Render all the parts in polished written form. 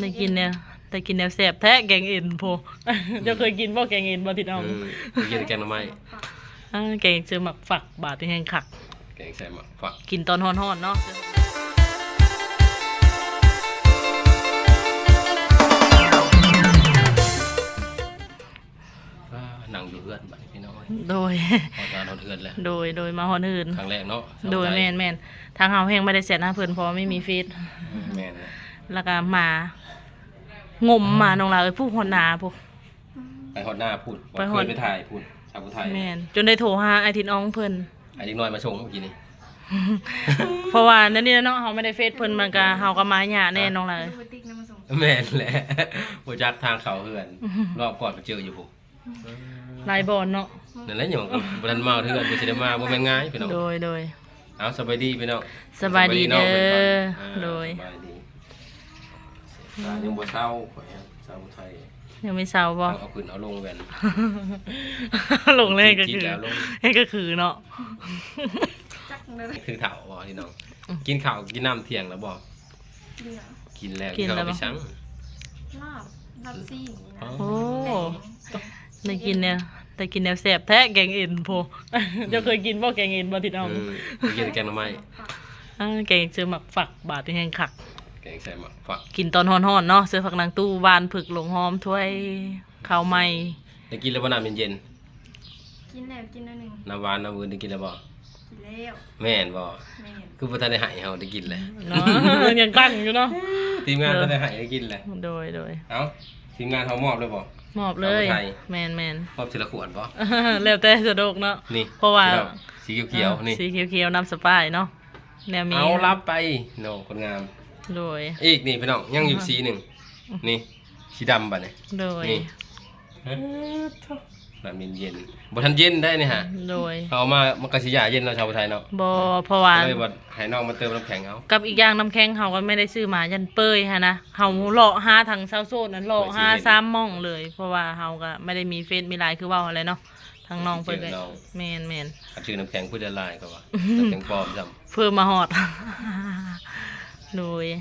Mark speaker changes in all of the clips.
Speaker 1: ได้กินเนี่ยได้กินแนวแซ่บแท้แกงเอ็นโพเจ้าเคยกินบ่แกงเอ็นบ่ติดเอา
Speaker 2: กินแกงหน่อไม้
Speaker 1: แกงเจอหมักฝักบาดที่แห้งคัก
Speaker 2: แกงใส่หมักฝัก
Speaker 1: กินตอนฮ้อนๆเนาะ
Speaker 2: หนังอยู่เฮือนบัดพี่น้อง
Speaker 1: โดย
Speaker 2: งานเฮือนแล้ว
Speaker 1: โดยมาฮอนอื่น
Speaker 2: ครั้งแรกเนาะ
Speaker 1: โดยแม่นทางเฮาแห้งไม่ได้เสียหน้าเพิ่นเพราะไม่มีฟีด
Speaker 2: แม่น
Speaker 1: แล้วก็มางมมาน้องลาผู้ฮอดนาผู้
Speaker 2: ไปฮอดหน้าพูดไปถ่ายพูดชาวผู้ไทย
Speaker 1: แม่นจนได้โทรหาไอ้ทินอองเพิ่น
Speaker 2: ไอ้เด็กน้อยมาชงเมื่อกี้นี่
Speaker 1: เพราะว่านั่นนี่เนาะเฮาไม่ได้เฟซเพิ่นมันก็เฮาก็มาหยาแน่น้องลา
Speaker 2: แม่นแหละบ่จักทางเขาเฮือนรอบก่อนไปเจออยู่ผู้
Speaker 1: ลายบอลเนาะ
Speaker 2: นั่นแหละหยังบ่ทันมาเฮือนบ่สิได้มาบ่แม่นง่ายพี่น้อง
Speaker 1: โดย
Speaker 2: เอาสบายดีพี่น้อง
Speaker 1: สบายดีเด้อโดย
Speaker 2: ยังบ่เศร้าข่อยชาวไทย
Speaker 1: ยังไม่เศร้าบ่
Speaker 2: เอาขึ้นเอาลงแว่น
Speaker 1: ลงเลยก็คือเนาะ
Speaker 2: คือเฒ่าบ่พี่น้องกินข้าวกินน้ำเที่ยงแล้วบ่กินแล้วกินข้าวไปซัง
Speaker 3: ลาบซี่
Speaker 1: โอ้ได้กินเนี่ยได้กินแนวแซ่บแท้แกงเอ็นโพเจ้าเคยกินบ่แกงเอ็นบ่ติดเอา
Speaker 2: กินแกงหน่อไม้
Speaker 1: แกงเจอหมักฝักบาดที่แห้งคัก
Speaker 2: แกงใส่หมักฝัก
Speaker 1: กินตอนฮ้อนๆเนาะเสื้อผักนางตู้บานผึกหลงหอมถ้วยข้าวใหม่
Speaker 2: ได้กินแล้วบ่น้ำเย็น
Speaker 3: กินแล้วกินแล้วนึง
Speaker 2: น้ำหวานน้ำอื่นได้กินแล้วบ่
Speaker 3: กินแล้ว
Speaker 2: แม่นบ่คือบ่ทันได้ให้เฮาได้กินแหละ
Speaker 1: เนาะยังตั้งอยู่เนาะ
Speaker 2: ทีมงานทันได้ให้ได้กินแหละ
Speaker 1: โดย
Speaker 2: เอ้าทีมงานเฮามอบเลยบ่
Speaker 1: มอบเลยแม่น
Speaker 2: มอบทีละขวดบ่
Speaker 1: แล้วแต่สะดวกเนาะ
Speaker 2: นี่
Speaker 1: เพราะว่า
Speaker 2: สีเขียวๆนี่
Speaker 1: สีเขียวๆน้ำสปายเนาะแนวมี
Speaker 2: เอารับไปโน่คนงาม
Speaker 1: โดย
Speaker 2: อีกนี่พี่น้องยังอยู่สีหนึ่งนี่สีดำบัดนี่
Speaker 1: โดย
Speaker 2: น้ำเย็นบ่ทันเย็นได้นี่ฮะ
Speaker 1: โดย
Speaker 2: เอามามันก็สิยาเย็นเนาะชาวไทยเนาะ
Speaker 1: บ่เพราะว่า
Speaker 2: เลยบ่ให้น้องมาเติมน้ำแข็งเอา
Speaker 1: กับอีกอย่างน้ำแข็งเฮาก็ไม่ได้ซื้อมายันเปยฮะนะเฮาเลาะหาทางเซาโซนนั้นเลาะหา3ม่องเลยเพราะว่าเฮาก็ไม่ได้มีเฟซมีไลน์คือเว้าอะไรเนาะทางน้องเพิ่นก็แม่น
Speaker 2: ชื่อน้ำแข็งผู้ละลายก็ว่าน้ำแข็งปลอมซ้ำ
Speaker 1: เพิ่มมาฮอดโดย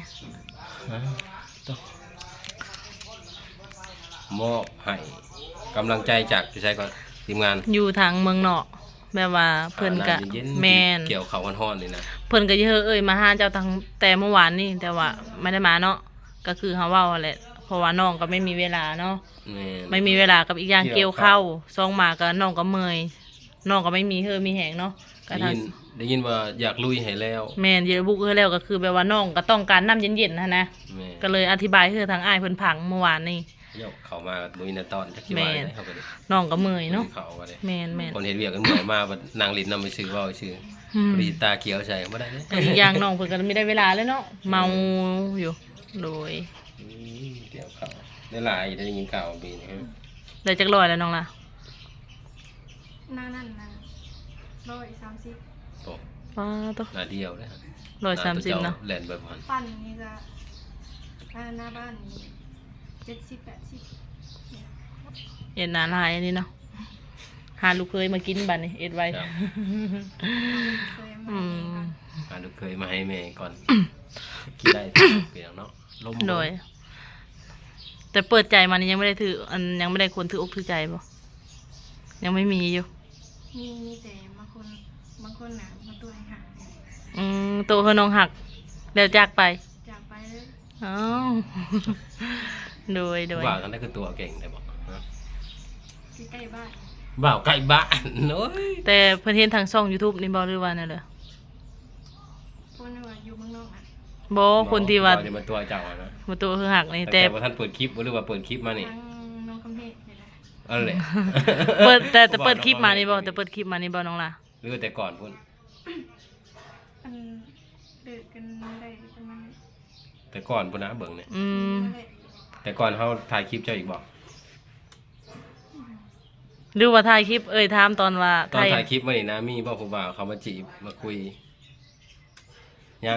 Speaker 2: มอบให้กำลังใจจากพี่ชายก่อนทีมงาน
Speaker 1: อยู่ทางเมืองนอกแบบว่าเพิ่นก็แม่น
Speaker 2: เกี่ยวเขาฮ้อนๆนี่นะ
Speaker 1: เพิ่นก็เยอะมาหาเจ้าทางแต่เมื่อวานนี่แต่ว่าไม่ได้มาเนาะก็คือเฮาเว้าแหละเพราะว่าน้องก็ไม่มีเวลาเนาะไม่มีเวลากับอีกอย่างเกี่ยวเข้าซองมาก็น้องก็เมื่อยน้องก็ไม่มีมีแหงเนาะก็
Speaker 2: ได้ยินว่าอยากลุยให้แล้ว
Speaker 1: แม่นเยอะบุกให้แล้วก็คือแบบว่าน้องก็ต้องการน้ำเย็นๆนะก็เลยอธิบายให้ทางอ้ายเพิ่นพังเมื่อวานนี่
Speaker 2: เข้ามาบ่มีในตอนจักสิว่าได้เฮาก็ได้
Speaker 1: น้องก็เมื่อยเนาะแม่น
Speaker 2: คนเฮ็ดเวียกก็เมื่อยมาบัดนางลิ้นนำไปซื้อเว้าซื่อปริตาเขียวใส่บ่ได้เด้
Speaker 1: อีกอย่างน้องเพิ่นก็ไม่ได้เวลาเลยเนาะเมาอยู่โดย
Speaker 2: เกี่ยวข้าวได้หลายได้ยินข่าวปีนี้
Speaker 1: ได้จัก100แล้วน้องล่ะ
Speaker 3: นั่น130
Speaker 2: โอ้
Speaker 1: ป้าต
Speaker 2: หน้าเดียวเด้
Speaker 1: 130เนาะ
Speaker 2: แล่นแบบนั้น
Speaker 3: ปั่นนี่ก็หน้าบ้านนี่70-80
Speaker 1: เอ็ดนานหายอันนี้เนาะหาลูกเคยมากินบัดนี้เอ็ดไว้
Speaker 2: หาลูกเคยมาให้แม่ก่อนกินได้เปลี่ยนเนาะล้ม
Speaker 1: โดยแต่เปิดใจมานี่ยังไม่ได้ถือยังไม่ได้คนถืออกถือใจบ่ยังไม่มีอยู่
Speaker 3: มีแต่บางคนน่ะมาตัวให้หัก
Speaker 1: ตัวเฮาน้องหักแล้วจากไป
Speaker 3: เลย
Speaker 1: อ๋อโดย
Speaker 2: ว่ากันได้คือตัวเก่งได้บอก
Speaker 3: ใกล้บ้าน
Speaker 2: บ่าวใกล้บ้านโอ้ย
Speaker 1: แต่เพิ่นเห็นทางช่อง YouTube นี่บ่หรือว่านั่นแหละ
Speaker 3: คนว่าอยู่เมืองนอกอ่ะ
Speaker 1: บ่คนที่ว่า
Speaker 2: มาตัวเจ้านะ
Speaker 1: มาตัวคือหักนี่
Speaker 2: แต่ว่าท่านเปิดคลิปหรือว่าเปิดคลิปมานี่
Speaker 3: น้องคำเพชรนี่แหละ
Speaker 2: อะไร
Speaker 1: เปิดแต่เปิดคลิปมานี่บ่แต่เปิดคลิปมานี่บ่น้องล่ะ
Speaker 2: หรือแต่ก่อนพุ่น
Speaker 3: เดือดกันได้ประมาณ
Speaker 2: แต่ก่อนพุ่นนะเบิ่งเนี่ยแต่ก่อนเฮาถ่ายคลิปเจ้าอีกบ่
Speaker 1: หรือว่าถ่ายคลิปถามตอนว่า
Speaker 2: ตอนถ่ายคลิปมานี่นะมีบ่ผู้บ่าวเขามาจีบมาคุยยัง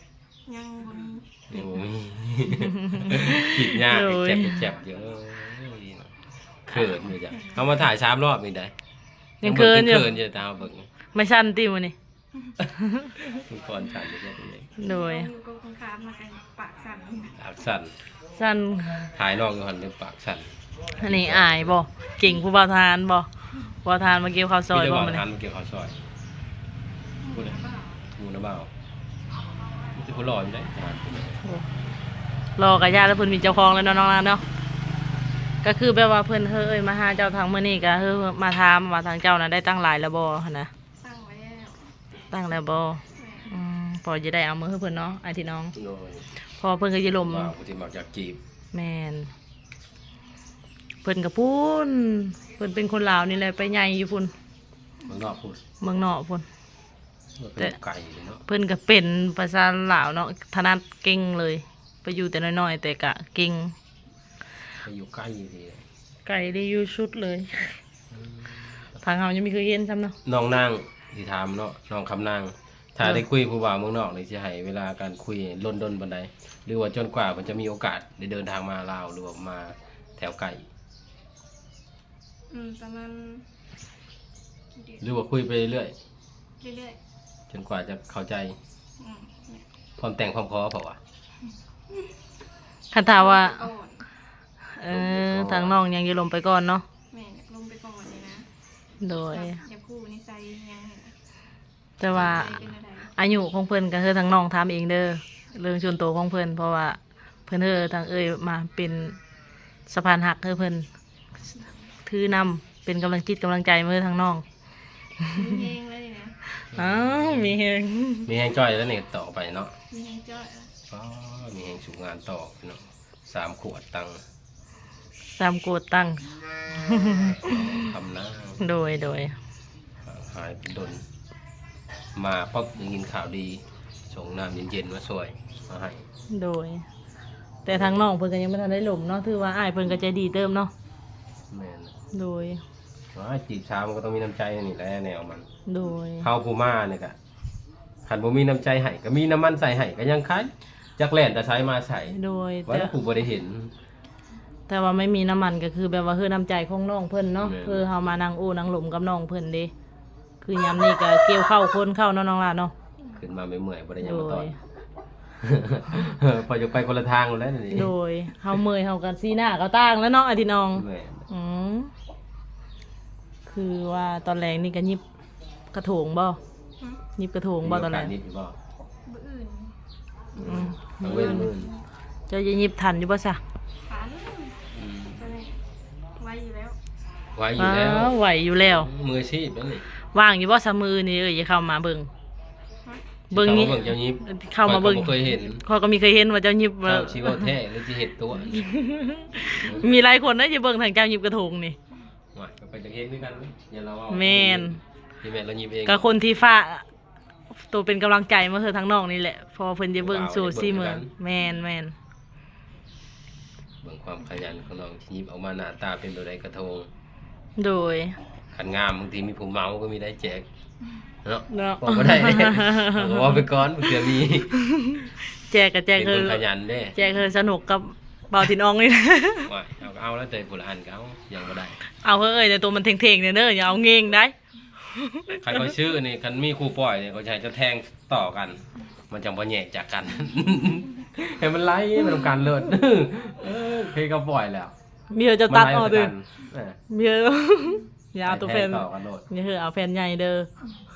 Speaker 2: บ่มีผิดยากเจ็บเยอะเขินอยู่จ้ะเฮามาถ่าย3รอบนี่ได้
Speaker 1: ยังเขินอยู่
Speaker 2: ตาเบิ่ง
Speaker 1: ไม่สั่นติมื้อนี้
Speaker 2: ทุกคนสั่นอยู่แค่นี้
Speaker 1: โดย
Speaker 3: อยู่กับคนค้ามากันปากสั่น
Speaker 2: ปากสั่น
Speaker 1: สั้น
Speaker 2: ถ่ายน้องอยู่หั่นเด้อปากสั่น
Speaker 1: อันนี้อายบ่เก่งผู้บ่าวทานบ่บ่าวทานมาเกี่ยวข้าวซอย
Speaker 2: มีแต่
Speaker 1: บ่
Speaker 2: ว่า
Speaker 1: มื้อ
Speaker 2: ทา
Speaker 1: นี้
Speaker 2: นมาเกี่ยวข้าวซอย
Speaker 3: หมูนะเปล่า
Speaker 2: หมูน้ำเบามีแต่ผู้หล่ออยู่ได้ทาน
Speaker 1: รอกะยาแล้วเพิ่นมีเจ้าของแล้วเนาะน้องๆเนาะก็คือแบบว่าเพิ่นเฮ้ยมาหาเจ้าทางมื้อนี้ก็เฮ้ยมาถามว่าทางเจ้าน่ะได้ตั้งหลายแล้วบ่หั่นนะ
Speaker 3: ตั้งไว้แล้ว
Speaker 1: ตั้งแล้วบ่
Speaker 3: แม่
Speaker 1: พอจะได้เอามือให้เพิ่นเนาะไอ้ที่น้อง
Speaker 2: โดย
Speaker 1: พอเพิ่นก็สิลม
Speaker 2: ว่าผู้ที่มักอยากจีบ
Speaker 1: แม่นเพิ่นก็พูนเพิ่นเป็นคนลาวนี่แหละไปใหญ่อยู่พุ่น
Speaker 2: เมืองนอกพูด
Speaker 1: เมืองนอกพุ่น
Speaker 2: ว่าเป็นไก่เนาะ
Speaker 1: เพิ่นก็เป็นภาษาลาวเนาะถนัดเก่งเลย ไปอยู่แต่น้อยๆแต่ก็เก่ง
Speaker 2: ไปอยู่ใกล้ที
Speaker 1: ไก่ได้อยู่ชุดเลยทางเฮายังไม่เคยเห็นซ้ำเนาะ
Speaker 2: น้องนางที่ถามเนาะน้องคำนางถ้าได้คุยผู้บ่าวเมืองนอกนี่สิให้เวลาการคุยล้นดนปานใดหรือว่าจนกว่ามันจะมีโอกาสได้เดินทางมาลาวหรือว่ามาแถวไกล
Speaker 3: ประมาณกี่เดือน
Speaker 2: หรือว่าคุยไปเรื่อย
Speaker 3: เรื่อย
Speaker 2: จนกว่าจะเข้าใจ
Speaker 3: ๆเนี่ย
Speaker 2: พร้อมแต่งพร้อมขอเปล่าวะ
Speaker 1: คันถามว่า
Speaker 3: ก่อน
Speaker 1: ทางน้องยังอยู่ลมไปก่อนเนาะ
Speaker 3: แม่อยากลงไปก่อนเลยนะ
Speaker 1: โดย
Speaker 3: อยากคู่นิสัยยังไงนะ
Speaker 1: แต่ว่า
Speaker 3: เป็นอะไร
Speaker 1: อายุของเพิ่นก็คือทางน้องถามเองเด้อเรื่องส่วนตัวของเพิ่นเพราะว่าเพิ่นทางมาเป็นสะพานหักเพิ่นถือนำเป็นกำลังจิตกำลังใจมาทางน้อง
Speaker 3: มีเฮงเลยนะ
Speaker 1: อ้าวมีเฮง
Speaker 2: มีแหงจ้อยแล้วนี่ต่อไปเนาะ
Speaker 3: มีเฮงจ้อยอะ
Speaker 2: อ๋อมีแหงสูงงานต่อเนาะ3 ขวดตังค์
Speaker 1: ตามโกดตั้ง
Speaker 2: ทำหน้า
Speaker 1: โดย
Speaker 2: หายเป็นดนมาป๊อบได้ยินข่าวดีส่งน้ำเย็นๆมาช่วยมาให้
Speaker 1: โดย แต่ทางน้องเพิ่นก็ยังไม่ทันได้หลมเนาะถือว่าอ้ายเพิ่นก็ใจดีเติมเนาะ
Speaker 2: แม่น
Speaker 1: โดย
Speaker 2: ว่าจีบสาวมันก็ต้องมีน้ำใจนี่แหละแนวมัน
Speaker 1: โดย
Speaker 2: เฮาผู้มาเนี่ยก็คันบ่มีน้ำใจให้ก็มีน้ำมันใส่ให้ก็ยังคันจักแล่นแต่ใช้มาใส่
Speaker 1: โดย
Speaker 2: ว่า
Speaker 1: แต่
Speaker 2: ผู้บ่ได้เห็น
Speaker 1: แต่ว่าไม่มีน้ำมันก็คือแบบว่าคือน้ำใจของน้องเพิ่นเนาะ
Speaker 2: แม่น
Speaker 1: คือเฮามานั่งโอ้นั่งหลมกับน้องเพิ่นเด้คือยามนี้ก็เกี่ยวเข้าคนเข้าเนาะน้องล่ะเนาะ
Speaker 2: ขึ้นมาไม่เมื่อยบ่ได้หยัง
Speaker 1: โด
Speaker 2: มาตอย น พอจะไปคนละทางแล้วนี่
Speaker 1: โดยเฮาเมื่อยเฮากันซีหน้าก็ต่างแล้วเนาะไอ้ที่น้อง
Speaker 2: แม่น
Speaker 1: อืมคือว่าตอนแรกนี่ก็ยิบกระโถงบ่ยิบกระโถงบ่ตอนแรก
Speaker 2: มีโกาสนิดอยู่บ่
Speaker 3: บื้ออื่น
Speaker 1: อืม
Speaker 2: เอาเว้นมื้อ
Speaker 1: เจะยิบทันอยู่บ่ซะ
Speaker 3: ฝันก็เลยไว้อยู่แล้ว
Speaker 2: ไว้อยู่แล้ว
Speaker 1: ว้าวไหวอยู่แล้ว
Speaker 2: มืออาชีพนั่นนี่
Speaker 1: ว่างอยู่บ่ซะมือนี่อย่าเข้ามาเบิ่งเบิ่งนี้
Speaker 2: เบิ่งเจ้ายิบ
Speaker 1: เข้ามาเบิ่ง
Speaker 2: ข้อยก็บ่เคยเห็น
Speaker 1: เขาก็มีเคยเห็นว่าเจ้ายิบ
Speaker 2: เจ้าชีว่าแท้หรือสิเห็ดตัว
Speaker 1: มีหลายคนนะจะเบิ่งทางเจ้ายิบกระทงนี่
Speaker 2: ว่าก็ไปจักเฮ็ดด้วยกันเว้ยอย่าเราเอา
Speaker 1: แม่น
Speaker 2: ที่แม่นเรายิบเอง
Speaker 1: ก็คนที่ฟ้าตัวเป็นกำลังใจมาคือทางน้องนี่แหละพอเพิ่นจะเบิ่งสู่ซี่เมืองแม่น
Speaker 2: เบิ่งความขยันของน้องที่ยิบออกมาหน้าตาเป็นแบบใดกระทง
Speaker 1: โดย
Speaker 2: ขันงามบางทีมีผู้เมาก็มีได้แจกเนาะ
Speaker 1: เนาะ
Speaker 2: บอกบ่ได้เอาว่าไปก่อนเผื่อมี
Speaker 1: แจกกับแจก
Speaker 2: เป็น
Speaker 1: คื
Speaker 2: ค
Speaker 1: อน
Speaker 2: ขยันเด้
Speaker 1: แจกคือสนุกกับเบาทินอองนี่ นะ
Speaker 2: ว่าเอาแล้วแต่ผู้ละอันก็เอายังบ่ได้
Speaker 1: เอาเฮ้ยแต่ตัวมันเท่งๆเนี่ยเด้ออย่าเอาเง่งได้
Speaker 2: ใครก็ชื่อนี่คันมีครูปล่อยนี่เขาใช้จะแทงต่อกัน มันจังบ่แยกจากกัน ให้มันไล่มันทำการเลิศ เคยก็ปล่อยแล้ว
Speaker 1: มีเธอจะตัดออก
Speaker 2: ด้
Speaker 1: ด้
Speaker 2: ว
Speaker 1: วย มีเธอ อย่าเอาตัวแฟน
Speaker 2: ต่อกันโลด
Speaker 1: อย่าเธอเอาแฟนใหญ่เด้อ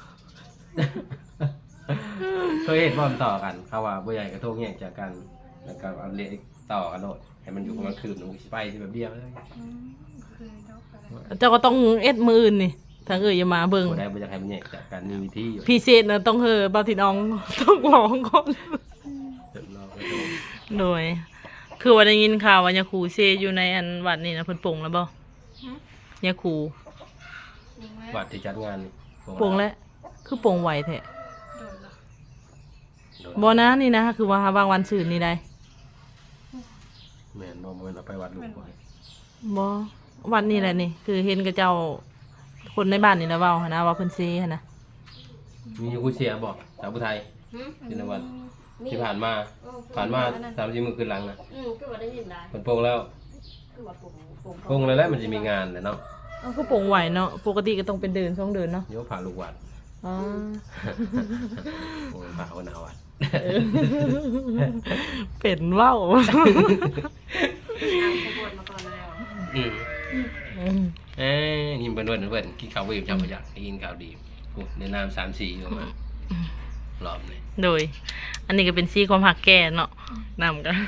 Speaker 2: เคยเห็นว่ามันต่อกันเขาว่าบ่ใหญ่กระทงแยกจากกันแล้วก็เอาเละต่อกันโลดให้มันอยู่ประมาณคืนหนึงสิไปที่แบบเดียวเลย
Speaker 3: เคยดอกอะไร
Speaker 1: เจ้าก็ต้องเอ็ดมืออื่นนี่ถ้าอย่ามาเบิ่ง
Speaker 2: บ่ได้บ่อยากให้มันแยกจากกันมีวิธีอยู่
Speaker 1: พิเศษนะต้องเฮอเบาทินออง ต้องร้องก่อน
Speaker 2: เดี๋ยวรอกระทง
Speaker 1: โดย คือว่าได้ยินข่าวว่ายาคูเซอยู่ในอันวัดนี่นะเพิ่นปลงแล้วบ่ยาคู
Speaker 3: ยิงแล้ว
Speaker 2: วัดที่จัดงานนี่
Speaker 1: ปลงแล้วคือปลงไหวแท้
Speaker 3: โดนเหรอ
Speaker 2: โดน
Speaker 1: บ่นะนี่นะคือว่าบางวันซื่นนี่ได้
Speaker 2: แม่นบ่แม่นเอาไปวัดหลวงพ่อ
Speaker 1: บ่วัดนี่แหละนี่คือเห็นกับเจ้าคนในบ้านนี่แหละเว้าหั่นนะว่าเพิ่นเซหั่นนะ
Speaker 2: มีอยู่กูเสียบ่สาวผู้ไทยที่นวันที่ผ่านมา30มื้อคืนหลังนะ
Speaker 1: คือว่าได้ยินได้
Speaker 2: มันโป่งแล้ว
Speaker 1: คือว่าปลง
Speaker 2: โป่งแล้วแหละมันจะมีงานแหละเนาะ
Speaker 1: เอาคือปลงไหวเนาะปกติก็ต้องเป็นเดิน2เดินเนาะ
Speaker 2: โยผ่าลูกวัด
Speaker 1: อ๋อ
Speaker 2: โอ้ยผ่าคนเอาวัด
Speaker 1: เออเป็นเว้า
Speaker 3: เอาขบวนมาก่อนแล้ว
Speaker 2: อืม
Speaker 1: อืม
Speaker 2: ยิ้มเบิ่นกินข้าวบ่อิ่มจังบ่อยากได้กินข้าวดีโอ้ในน้ำ3-4อยู่มารอบนี้
Speaker 1: โดย อันนี้ก็เป็นซี่ความหักแก่เนาะนำกัน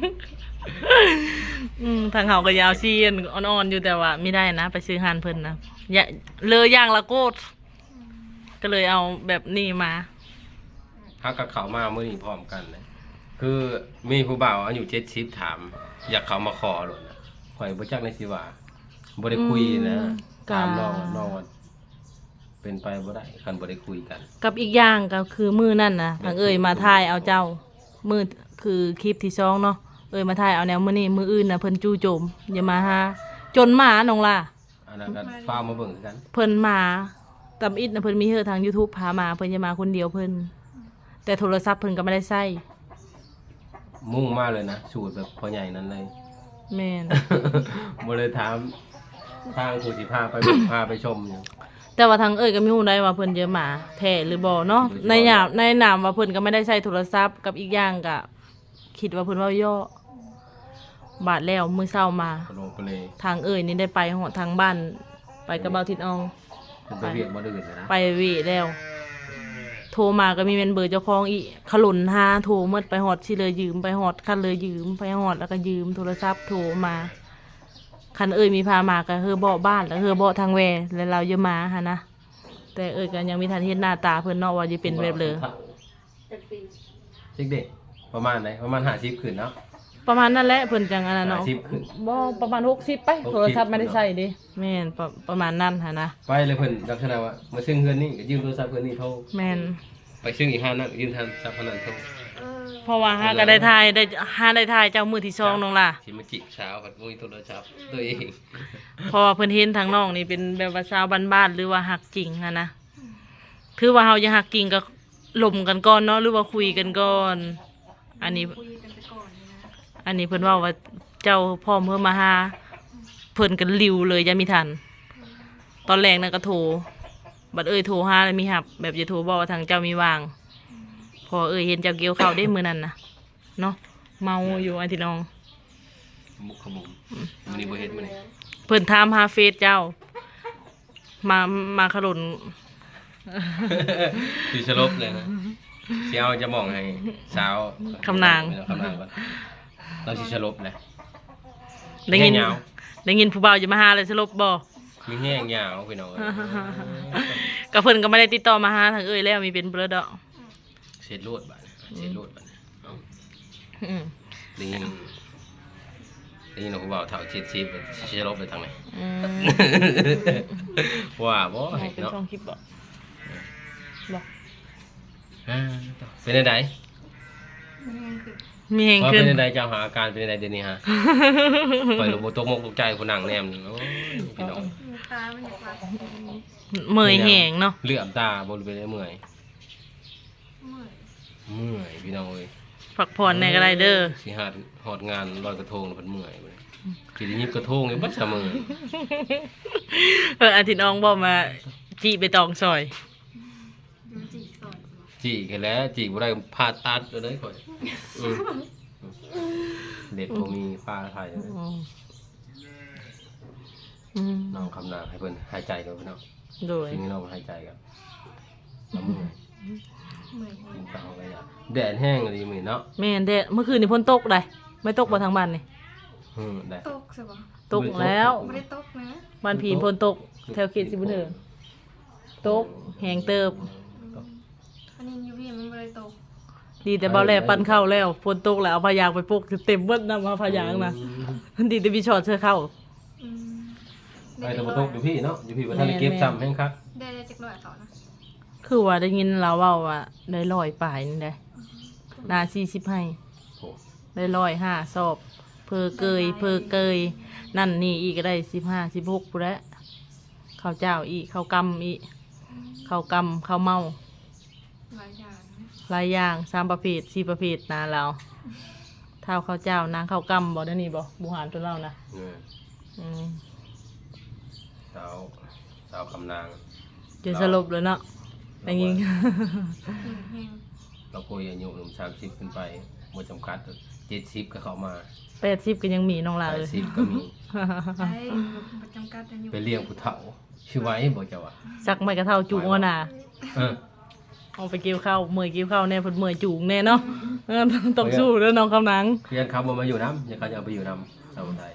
Speaker 1: ทางเขาก็ยาวซี่อ่อนๆอยู่แต่ว่าไม่ได้นะ ไปซื้อหานเพิ่นนะอย่าเลยอย่างละโกดก็เลยเอาแบบนี้มา
Speaker 2: ฮักกับเขามาเมื่อนี้พร้อมกันเลยคือมีผู้บ่าวอายุ70ถาม อยากเขามาขอหล่นนะข่อยบ่จักในสิว่าบ่ได้คุยนะ ถามน้องว่าเป็นไปบ่ได้คันบ่ได้คุยกัน
Speaker 1: กับอีกอย่างก็คือมือนั่นนะทางเอ่ยมาถ่ายเอาเจ้า มือคือคลิปที่2เนาะเอ่ยมาถ่ายเอาแนวมื้อนี้มืออื่นน่ะเพิ่นจู่โจมอย่ามาหาจนหมาน้องล่ะ
Speaker 2: อันนั้นก็ฟ้ากมาเบิ่งคือกัน
Speaker 1: เพิ่นมาตำอิดนะเพิ่นมีเฮอทาง YouTube พามาเพิ่นจะมาคนเดียวเพิ่นแต่โทรศัพท์เพิ่นก็ไม่ได้ใช้
Speaker 2: มุ่งมากเลยนะสูตรแบบพ่อใหญ่นั้นเลย
Speaker 1: แม่น
Speaker 2: บ่เลยถามทางผู้สิพาไป พาไปชมอยู่
Speaker 1: แต่ว่าทางเอ่ยก็ไม่รู้ได้ว่าเพิ่นเยอะหมาแท้หรือบ่เนาะในนามว่าเพิ่นก็ไม่ได้ใช้โทรศัพท์กับอีกอย่างก็คิดว่าเพิ่นเว้าย่อบาดแล้วมื้อเช้ามา
Speaker 2: กระโลกกระเล
Speaker 1: ทางเอ่ยนี่ได้ไปฮอดทางบ้านไปกับเบาทิดออง
Speaker 2: เป็นไปเวียกบ่ดื้อเลยนะ
Speaker 1: ไปเวแล้ว โทรมาก็มีเป็นเบอร์เจ้าของอีกขลุนหาโทรหมดไปฮอดสิเลยยืมไปฮอดคันเลยยืมไปฮอดแล้วก็ยืมโทรศัพท์โทรมาคันเอ่ยมีพามาก็เฮอเบาะบ้านแล้วเฮอเบาะทางแวแล้วเราจะมาหะนะแต่เอ่ยก็ยังมีทันเห็นหน้าตาเพิ่นเนาะว่าจะเป็นแบบเลย
Speaker 2: เด็กๆประมาณไหนประมาณ50ขึ้นเนาะ
Speaker 1: ประมาณนั้นแหละเพิ่นจังอันนั้นเนาะ
Speaker 2: 50ขึ้น
Speaker 1: บ่ประมาณ60ไปโทรศัพท์ไม่ได้ใช้ดิแม่นประมาณนั้นหะนะ
Speaker 2: ไปเลยเพิ่นลักษณะว่ามาซึ่งเฮือนนี่ก็ยืมโทรศัพท์เฮือนนี่โทร
Speaker 1: แม่น
Speaker 2: ไปซึ่งอีกห้านั่นยืมโทรศัพท์พนันโทร
Speaker 1: เพราะว่าหาก็ได้ทายได้หาได้ทายเจ้ามือที่2น้องล่ะ
Speaker 2: สิมาจิกเช้าผัดมุ้ยโทรศัพท์ตัวเอง
Speaker 1: เพราะว่าเพิ่นเห็นทางน้องนี่เป็นแบบว่าสาวบ้านๆหรือว่าฮักจริงอะนะถือว่าเฮาจะฮักจริงก็หล่มกันก่อนเนาะหรือว่าคุยกันก่อน อันนี้
Speaker 3: คุยกันไปก่อนนะ
Speaker 1: อันนี้เพิ่นเว้าว่าเจ้าพ่อเพิ่นมาหาเพิ่นก็ริวเลยยังมีทัน ตอนแรกนั่นก็โทรบัดเอ้ยโทรหาแล้วมีหับ แบบจะโทรบอกว่าทางเจ้ามีวาง พอเอ้ยเห็นเจ้าเกี่ยวข้าวได้มื้อนั้นน่ะเนาะเมาอยู่อันที่น้อง
Speaker 2: มุกขมุมมันนี่บ่เฮ็ดมันนี่
Speaker 1: เพิ่นถามหาเฟซเจ้า มาขลุน
Speaker 2: คือสลบเลยนะสิเอาจะมองให้สาว
Speaker 1: คำนาง
Speaker 2: คำนางก่อนเราสิสลบเลย
Speaker 1: ได้ยิน
Speaker 2: แห้งยาว
Speaker 1: ได้ยินผู้บ่าวจะมาหาเลยสลบบ่
Speaker 2: มีแห้งยาวพี่น้อง
Speaker 1: กับเพิ่นก็ไม่ได้ติดต่อมาหาทางเอ้ยแล้วมีเป็นเบลอดอก
Speaker 2: เสร็จรวดบัดเสร็จรวดบัดเอา
Speaker 1: อืม
Speaker 2: ได้ยินผู้บ่าวเฒ่า70สิสลบไปทางไหน
Speaker 1: อืม
Speaker 2: ว่าบ่
Speaker 1: เอาเป็น
Speaker 2: เนาะ
Speaker 1: ช่องคลิปบ่บ่
Speaker 2: เป็นจังได
Speaker 3: มันยังคือ
Speaker 1: มีแหง
Speaker 2: ว่า
Speaker 1: ขึ้
Speaker 2: เป็น นจังไดเจ้าหาอาการเป็นจังไดเดี๋ยวนี้ฮะปล่อยลงบ่ตกมกตกใจผู้นั่งแนมนี่โอ้ยพี่น้อง
Speaker 3: ตามันอยากรับ
Speaker 1: เมื่อยแหงเนาะ
Speaker 2: เลือดตาบ่รู้เป็นได้เมื่อย
Speaker 3: เมื่อย
Speaker 2: เมื่อยพี่น้องเอ้ย
Speaker 1: พักผ่อนในก็ได้เด้อ
Speaker 2: สิหาฮอดงานลอยกระทงเพิ่นเมื่อยบัดนี้สิได้ยิบกระทงนี่บ่ซะมื้อ
Speaker 1: อาทิตย์น้องบอกมาจีไปตองซอย
Speaker 3: ดูจีสอน
Speaker 2: จีกนแหล้วจีกบ่ได้ผ่าตัดเลยข่อยอืมเด็ดบ่มีฟ้าไทยเลย น้องคำนางให้เพิ่นหายใจกันพี่น้อง
Speaker 1: โดย
Speaker 2: สิ่งที่น้องหายใจกันน้ำมือ
Speaker 3: เมื่อย
Speaker 2: กินข้าวก็อยากแดดแห้งเลยมื้อเนาะ
Speaker 1: แม่นเด้เมื่อคืนนี่พ้นตกได้ไม่ตกบ่ทางบ้านนี่
Speaker 2: แดด
Speaker 3: ตกสิบ่
Speaker 1: ตกแล้ว
Speaker 3: ไม่ได้ตกนะ
Speaker 1: บ้านผีพ้นตก แถวเขตสิบุญเถิงตกแหงเติบ
Speaker 3: อันนี้ยูวีมันไม่ได้ตก
Speaker 1: ดีแต่เบาแลปั้นเข้าแล้วฝนตกแล้วเอาพายางไปปกเต็มเบิดน้ำมาพายางนะดีแต่พี่ชอดเสื้อเข้า
Speaker 3: อืม
Speaker 2: ไปตะบตกอยู่พี่เนาะอยู่พี่ว่าท่านได้เก็บซ้ำแห้งคัก
Speaker 3: ได้จักหน่อยเขานะ
Speaker 1: คือว่าได้ยินเราเว่าว่าได้ลอยปลายนี่ได้นา40ให้
Speaker 2: โอ้
Speaker 1: ได้105สอบ เพอเกยนั่นนี่อีกก็ได้15 16ปุ๊แล้วข้าวเจ้าอีกข้าวกำอีกข้าวกำข้าวเมา
Speaker 3: หลายอย่างนะ
Speaker 1: หลายอย่าง3ประเภท4ประเภทนาเราเท่าข้าวเจ้านางข้าวกำบ่ได้นี่บ่บุหารตัวเรานะ
Speaker 2: เนี่ย
Speaker 1: อืม
Speaker 2: สาวคำนาง
Speaker 1: จะสลบเลยเนาะได้ยิน
Speaker 3: แห้ง
Speaker 2: เราคุยอายุหนุ่ม30ขึ้นไปบ่จำกัด70ก็เข้ามา
Speaker 1: 80ก็ยังมีน้องลาเลย
Speaker 2: 80ก็มี
Speaker 3: ได้ประจำกัดอายุ
Speaker 2: ไปเลี้ยงผู้เฒ่าชื่อไว้บ่เจ้าว่า
Speaker 1: สักไม่กระเท่าจูงเอาน่ะ
Speaker 2: เออ
Speaker 1: เอาไปเกี่ยวข้าวเมื่อยเกี่ยวข้าวแน่เพิ่นเมื่อยจูงแน่เนาะต้องสู้เด้อน้องคำนัง
Speaker 2: เพื่อนเขาบ่มาอยู่นำอย่าเขาจะเอาไปอยู่นำสาวไทย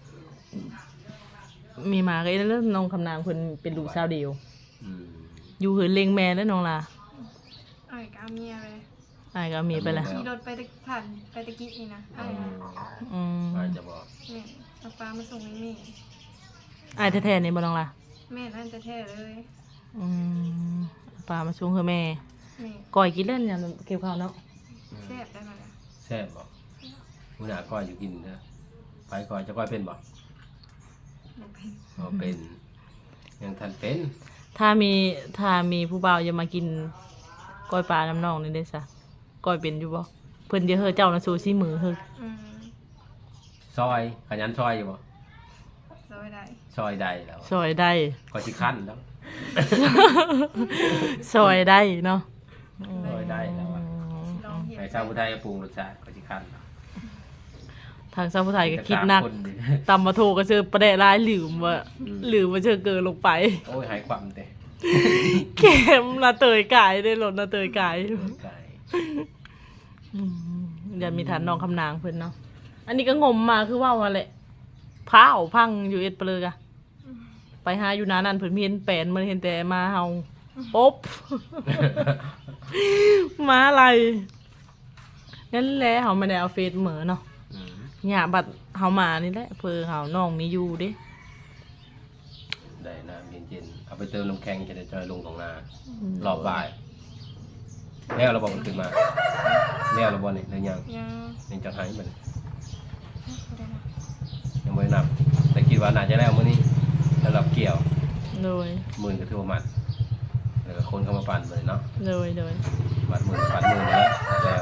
Speaker 1: มีหมาก็เด้อน้องคำนางเพิ่นเป็นลูกสาวเดียว
Speaker 2: อืม
Speaker 1: อยู่เหินเลงแม่เด้อน้องลา
Speaker 3: อ้ายก็เอาเมียเลย
Speaker 1: อ้ายก็เอาเมียไปละ
Speaker 3: ขี่รถไปตะผ่านไปตะกี้นี่นะอ้าย
Speaker 1: อืม
Speaker 2: อาจจะบอก
Speaker 3: แม่เอาปลามาส่งให้แม่
Speaker 1: อ้ายแท้ๆนี่บ่น้องลา
Speaker 3: แม่นั่นจะแท้เลย
Speaker 1: อืมปลามาช่วงคือแม่
Speaker 3: แม่
Speaker 1: ก่อยกินเล่นยามเกี่ยวข้าวเนาะ
Speaker 3: แซ่บได้มาแล้ว
Speaker 2: แซ่บบ่มื้อหน้าก้อยอยู่กินเด้อไปก้อยจะก้อยเป็นบ่
Speaker 3: บ่เป็น
Speaker 2: บ่เป็นยังทันเป็น
Speaker 1: ถ้ามีผู้บ่าวจะมากินก้อยปลาน้ำนองนี่ได้ซะก้อยเป็นอยู่บ่เพิ่นจะเฮอเจ้านะสู้ซี่มือเฮอ
Speaker 2: ซอยขยันซอยอยู่บ่
Speaker 3: ซอยได้
Speaker 2: ซอยได้แล้ว
Speaker 1: ซอยได้
Speaker 2: ก็สิคั้นแล้ว
Speaker 1: ซอยได้เนาะ
Speaker 2: ซอยได้แล้วอะ
Speaker 3: ลองเห็น
Speaker 2: ให้ชาวผู้ไทยปรุงรสชาติก็สิคั้นแล้ว
Speaker 1: ทางชาวผู้ไทยก็คิดหนัก
Speaker 2: จะฆ่าคนดิ
Speaker 1: ตำมาโทก็เจอประเดะร้ายลืมว่าเจอเกินลงไป
Speaker 2: โอ้ยหายความเด้
Speaker 1: เข็มนาเตยกายได้หล่นนาเตยกาย
Speaker 2: ไก่
Speaker 1: อืมอย่ามีฐานน้องคำนางเพิ่นเนาะอันนี้ก็งมมาคือว่าว่าแหละพาเอาพังอยู่เอ็ดเปลือกอะไปหาอยู่นานั่นเพิ่นมีเห็นแปลนมันเห็นแต่มาเฮาป๊บ มาอะไรนั่นแหละเฮาไม่ได้เอาเฟซเหมือเนาะ
Speaker 2: อืม
Speaker 1: เนี่ยบัดเฮามานี่แหละเพื่อเฮาน้องมีอยู่เด้
Speaker 2: ได้น้ำเย็นๆเอาไปเติมน้ำแข็งจะได้จอยลงตรงนารอบบ่ายแล้วเราบอกมันขึ้นมาแล้วเราบอกนี่เลยยัง
Speaker 3: ยัง
Speaker 2: ยังจะหายมัน
Speaker 3: บ่ได้นะ
Speaker 2: ยังไม่ได้นับแต่คิดว่าน่าจะแล้วมื้อนี้แล้วเราเกี่ยว
Speaker 1: โดย
Speaker 2: หมื่นก็ถือว่ามัดแล้วก็คนเข้ามาปั่นเลยเนาะ
Speaker 1: โดย
Speaker 2: มัดหมื่นปั่นหมื่นแล้ว